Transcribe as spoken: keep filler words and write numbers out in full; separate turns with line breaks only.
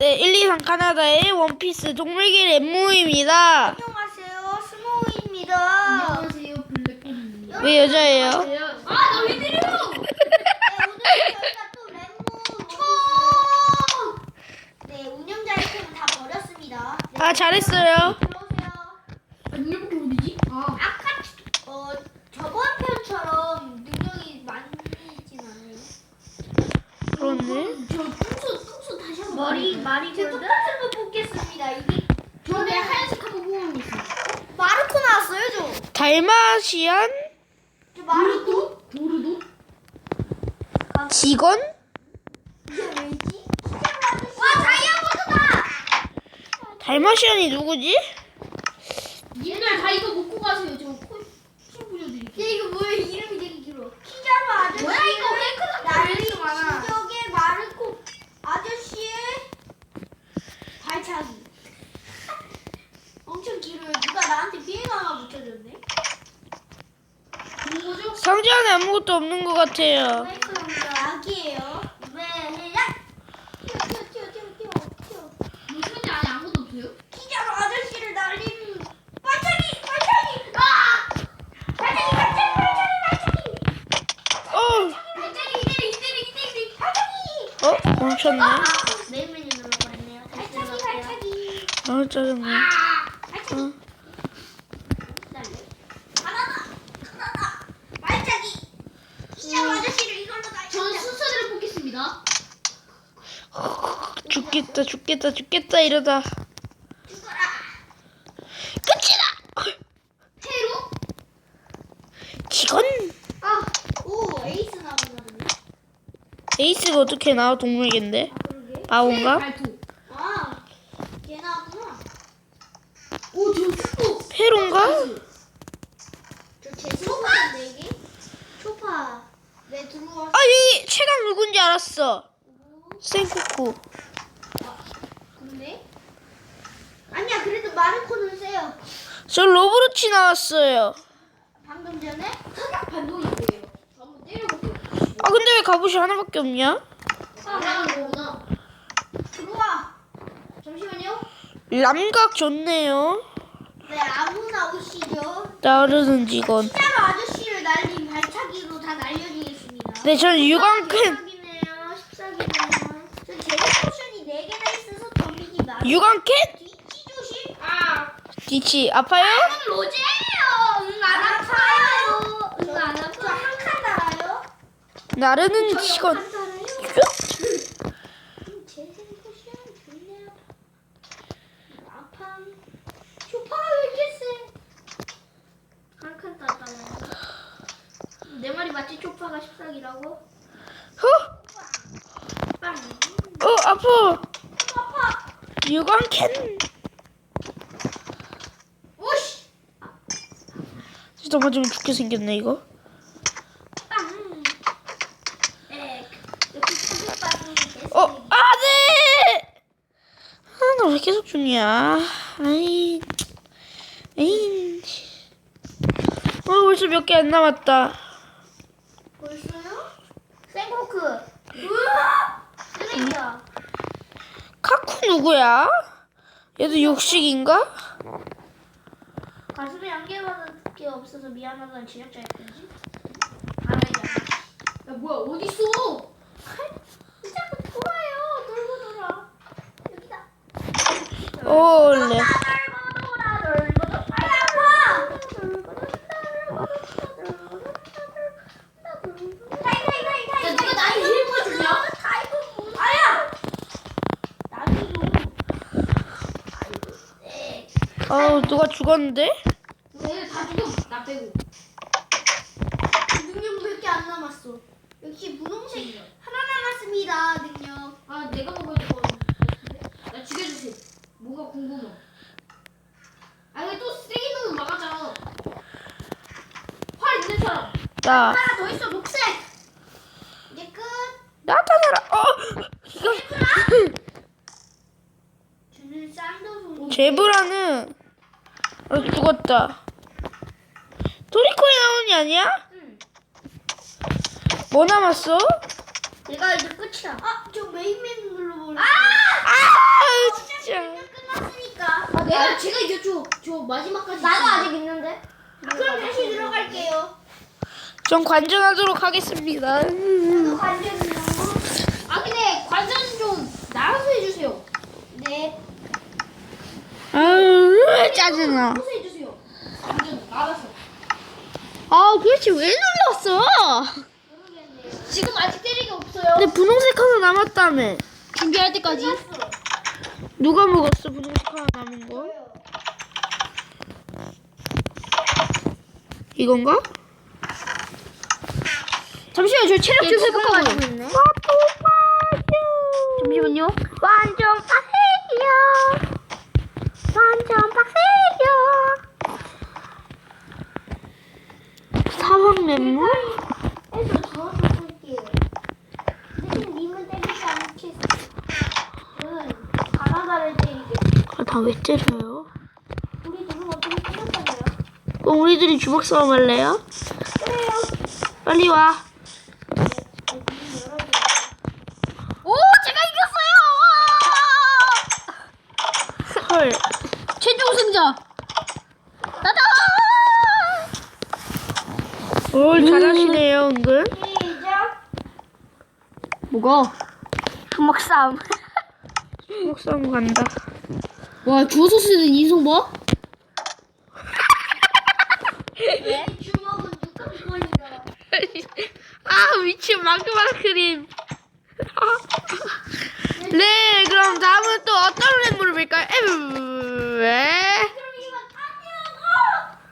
네, 일, 이, 삼 카나다의 원피스 동물길 엠모입니다.
안녕하세요, 스노우입니다.
안녕하세요, 블랙홀입니다.
왜 여자예요?
아, 나 왜 때려?
네, 오늘 저희가 또 랩모 총! 네, 운영자 아이템은 다 버렸습니다. 네,
아, 잘했어요.
들어오세요.
능력이 어디지? 아,
아까 어 저번 편처럼 능력이 많이진 않아요.
그렇네.
저 뚱수 뚱수 다시 한번.
머리 말이 제 똑같은 거 뽑겠습니다. 이게
저내 하얀색 한번 뽑으면 있어.
마르코 나왔어요, 저.
달마시안
저 마르코?
도르도?
직원?
이게 왜지? 와, 다이아몬드다!
달마시안이 누구지?
님들 다 이거 먹고 가세요. 저 코, 침
야,
뿌려드릴게요.
이거 뭐야? 이름이 되게 길어. 키자루 아저씨.
뭐야, 이거 왜 그렇게
난리
이렇게 많아?
지적의 마르코 아저씨의 발차기. 엄청 길어요. 누가 나한테 비행 하나 붙여줬네.
좋은 거죠?
상자 안에 아무것도 없는 것 같아요.
마이크가 약이에요. 왜 해야? 튀어 튀어 튀어 튀어 튀어 튀어.
뭐 상자 안에 아무것도 없어요?
키자루 아저씨를 날리는 발차기 발차기. 아! 발차기 발차기 발차기 발차기.
어,
이때리 이때리 이때리 이때리.
발차기.
어, 멈췄네.
아, 메인 메뉴 눌러버렸네요. 발차기 발차기.
아, 짜증나.
발차기.
어.
날려. 하나다 하나다. 발차기. 키자루 아저씨를 이걸로 날려.
저는 순서대로 뽑겠습니다.
죽겠다, 죽겠다, 죽겠다 이러다.
죽어라.
끝이다.
테로?
직원?
아, 오 에이스 나오거든요.
에이스가 어떻게 나와? 동물인데?
아, 그러게.
아오인가?
발톱.
아, 걔 나왔구나.
오, 저 슈퍼.
페론가?
저 제스코가 네 개. 초파. 네 들어와.
아, 여기 최강 누군지 알았어. 생쿠쿠.
근데 아니야. 그래도 마르코는 세요.
저 로브로치 나왔어요.
방금 전에
사격 반동이 뭐예요? 한번 때려볼게요.
아, 근데 왜 갑옷이 하나밖에 없냐?
잘하는 거구나.
들어와. 잠시만요.
람각 좋네요.
네, 아무나 오시죠.
나르는 직원.
키자루 아저씨를 날린 발차기로 다 날려지겠습니다.
네, 전 유광캔.
십사기네요. 십사기네요. 전 제로 포션이 네 개나 있어서 덤비기 나.
유광캔?
뒤치 조심.
아,
디치 아파요?
이건 로제예요. 응, 안 아파요. 응, 안 아파요. 저 한 칸 달아요.
나르는 직원.
한 달아요. 음, 제 제로 포션 좋네요. 아파. 쇼파가 왜 이렇게 세? 한 칸 땄다네. 내 말이 맞지? 쇼파가 십사기라고?
어?
빵.
어, 아파.
아파.
유광캔.
오씨.
진짜 맞으면 죽게 생겼네, 이거.
빵. 에. 여기 사격받는 게
어, 아, 네! 아, 나 왜 계속 죽냐. 아이, 에이. 어, 벌써 몇 개 안 남았다.
벌써요? 생코크. 우와! 쓰레기야.
카쿠 누구야? 얘도 육식인가?
가슴에 안개밖에 없어서 미안하다는 지적자일 뿐이지. 알아야.
야 뭐야 어디 있어?
왜 자꾸 돌아요? 돌고 돌아. 여기다.
올레.
돌고 돌아. 돌고 돌아. 빨리 아파. 돌고 돌아. 돌고 돌아. 타이 타이 타이 타이.
야 누가 나한테 힐 보여주냐?
타이거 아야. 나비도. 아이고. 네.
어, 누가 죽었는데?
얘들 다 죽여. 나 빼고.
능력 몇 개 안 남았어. 역시 분홍색 하나 남았습니다. 능력.
아 내가 먹어야 될 거 같은데. 나 죽여주세요. 뭐가 궁금해. 아 이거 또 쓰레기 놈은 막았잖아. 활 있는 사람.
나.
하나 더 있어. 녹색. 이제 끝.
나타나라. 어, 이거.
저는 쌍도손.
제브라는 어, 죽었다. 도리코에 나오는 게 아니야?
응.
뭐 남았어?
내가 이제 끝이야. 아, 저 메인 메뉴 눌러버렸어.
아!
저 마지막까지.
나도
있습니다.
아직 있는데. 그럼 다시 들어갈게요.
전 관전하도록 하겠습니다.
저도 관전이요.
아 근데 관전 좀 나가서 해주세요.
네.
아유, 짜증나.
나가서 해주세요. 관전 나가서.
아, 그렇지. 왜 눌렀어?
모르겠네요.
지금 아직 때리기 없어요.
근데 분홍색 하나 남았다며.
준비할 때까지.
누가 먹었어, 분홍색 하나 남은 거?
저요.
이건가?
잠시만요. 저 체력 좀 회복하고.
있네.
잠시만요.
완전 빡세요. 완전 빡세요.
사막 멤버?
해서 저어서 쓸게요. 대신 님은 때리지 않겠어요. 저는 가나다를 때리겠어요.
아, 다 왜 때려요?
우리 둘은 어떻게 때렸다고요?
그럼 우리들이 주먹 싸움 할래요?
그래요.
빨리 와.
네, 문 열어줘요.
오, 제가 이겼어요.
헐.
최종 승자. 나다.
올 잘하시네요, 은근.
시작.
뭐가?
주먹 싸움.
주먹 싸움 간다.
와, 주워서 쓰는 인성 봐.
네? 주먹은 육각권이다.
아, 미친 마그마 크림. 아. 네, 그럼 다음은 또 어떤 랩물을 볼까요? 에브, 왜?